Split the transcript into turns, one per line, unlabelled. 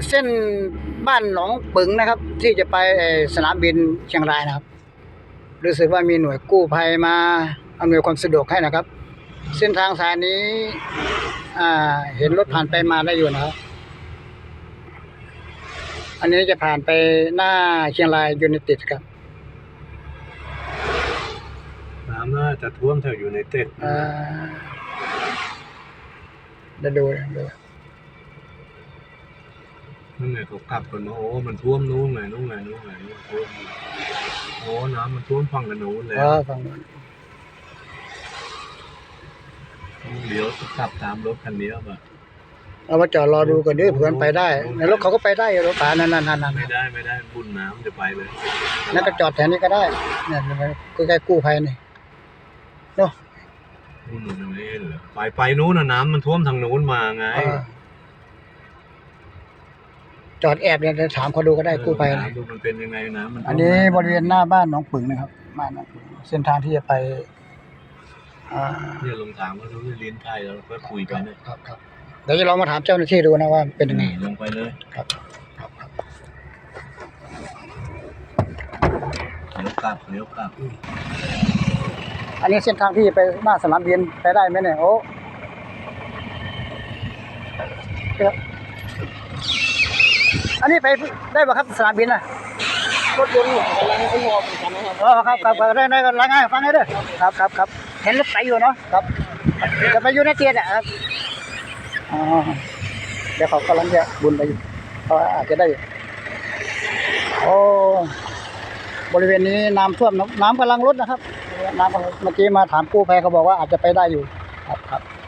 เส้นบ้านหนองปึ๋งนะครับ ที่จะไปสนามบินเชียงรายนะครับรู้สึกว่ามีหน่วยกู้ภัยมาอำนวยความสะดวกให้นะครับเส้นทางสายนี้เห็นรถผ่านไปมาได้อยู่นะครับอันนี้จะผ่านไปหน้าเชียงรายยูไนเต็ดครับ
น้ำน่าจะท่วมแถวยูไนเต็ด
เดี๋ยวดู
นั่นไงเขากลับกันมาโอ้มันท่วมนู้นไงท่วมโอ้น้ำมันท่วมฝั่งกันนู้นเลย
ฝั่งนู้น
เดี๋ยวขับตามรถคันนี้ป่ะ
เอามาจอดรอดูกันด้วยเพื่อนไปได้ในรถเขาก็ไปได้รถป่านั่น
ไม่ได้บุญน้ำจะไปเลย
นั่นก็จอดแถวนี้ก็ได้เนี่ยใกล้ๆกู้ภัยนี่เนาะ
นู่นไม่เห็นเหรอไปนู้นน่ะน้ำมันท่วมทางนู้นมาไง
จอดแอบเนี่ยถามเขาดูก็ได้กู้ภัย
ดูมันเป็นยังไงน้ำมัน
อันนี้บริเวณหน้าบ้านหนองปึ๋งนะครับบ้านหนองปึ๋งเส้นทางที่จะไป
เนี่ยลงทางว่าเราลิ้นไทยแล้วก็คุยกันเนี่ย
ครับเดี๋ยวจะลองมาถามเจ้าหน้าที่ดูนะว่าเป็นยังไง
ลงไปเลย
ครับ
เลี้ยวกลับ
อันนี้เส้นทางที่ไปหน้าสนามบินไปได้ไหมเนี่ยโอ้อันนี้ไปได้ป่ะครับสนามบินน่ะ
รถยนต์กำลังขึ้นมอเหมือนกันนะครับ
ครับได้กันรายงานฟังให้ด้วยครับเห็นรถไปอยู่เนาะครับจะไปอยู่ในเตียนอ่ะครับเดี๋ยวเขากำลังจะบุญไปอยู่เขาอาจจะได้โอ้บริเวณนี้น้ำท่วมน้ำกำลังลดนะครับน้ำเมื่อกี้มาถามกู้ภัยเขาบอกว่าอาจจะไปได้อยู่ครับ